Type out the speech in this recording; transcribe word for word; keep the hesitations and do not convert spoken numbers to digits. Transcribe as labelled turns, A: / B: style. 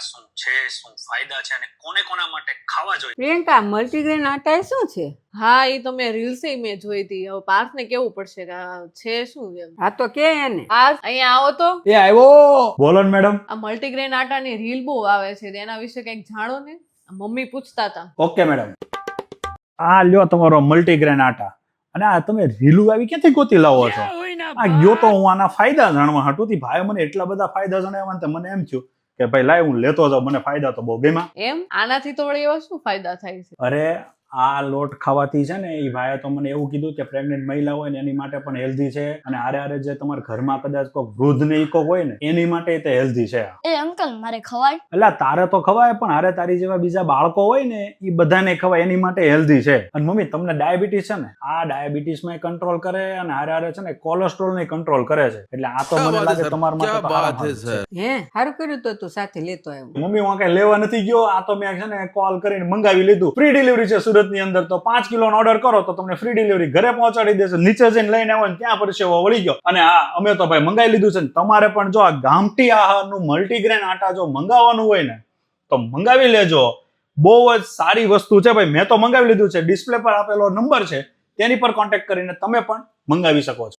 A: શું છે, શું ફાયદા છે અને કોને કોના માટે ખાવા જોઈએ?
B: પ્રિયંકા, મલ્ટીગ્રેન આટા એ શું છે?
C: હા એ તો મેં રીલ્સ મેં જોઈ હતી. હવે પાર્થને કેવું પડશે કે આ છે શું એમ.
B: હા તો કે એને.
C: પાર્થ અહીંયા આવો તો.
D: એ આવ્યો. બોલો ને મેડમ.
C: આ મલ્ટીગ્રેન આટાની રીલ બહુ આવે છે, એના વિશે કંઈક જાણો ને. મમ્મી પૂછતા હતા.
D: Okay madam. આ લ્યો તમારો મલ્ટીગ્રેન આટા. અને આ તમે રીલું આવી ક્યાંથી ગોતી લાવો છો? આ ગયો તો હું આના ફાયદા જાણવા હાટું થી ભાઈ મને એટલા બધા ફાયદા જણાવ્યા ને મને એમ થયું કે ભાઈ લાય હું લેતો જાઉં, મને ફાયદા તો બહુ ગમ્યા.
C: એમ આનાથી તો વળી એવા શું ફાયદા થાય છે?
D: અરે આ લોટ ખાવાથી છે ને એ ભાઈએ તો મને એવું કીધું કે પ્રેગ્નેન્ટ મહિલા હોય ને એની માટે પણ હેલ્ધી છે, અને આરે આરે જે તમારા ઘરમાં કદાચ કોઈ વૃદ્ધ ને ઈકો હોય ને એની માટે તે હેલ્ધી છે.
E: એ અંકલ મારે ખવાય?
D: એટલે તારે તો ખવાય, પણ આરે તારી જેવા બીજા બાળકો હોય ને એ બધાને ખવાય, એની માટે હેલ્ધી છે. અને મમ્મી તમને ડાયાબિટીસ છે ને, આ ડાયાબિટીસ માં કંટ્રોલ કરે અને આરે આરે છે ને કોલેસ્ટ્રોલ ને કંટ્રોલ કરે છે. એટલે આ તો મને લાગે તમારા માટે તો સારામાં છે.
B: હે સારું કર્યું તો તું સાથે લેતો આવ્યો.
D: મમ્મી હું કઈ લેવા નથી ગયો, આ તો મેં છે ને કોલ કરીને મંગાવી લીધું. ફ્રી ડિલિવરી છે સુરત ની અંદર, તો પાંચ કિલો નો ઓર્ડર કરો તો તમને ફ્રી ડિલિવરી ઘરે પહોંચાડી દેશે. નીચે જઈને લઈને આવો ને ત્યાં પરસેવો વળી ગયો. અને હા અમે તો ભાઈ મંગાવી લીધું છે ને તમારે પણ જો આ ગામઠી આહારનું મલ્ટીગ્રેન આટા જો મંગાવવાનું હોય ને તો મંગાવી લેજો. બહુ જ સારી વસ્તુ છે ભાઈ. મેં તો મંગાવી લીધું છે. ડિસ્પ્લે પર આપેલો નંબર છે તેની પર કોન્ટેક્ટ કરીને તમે પણ મંગાવી શકો છો.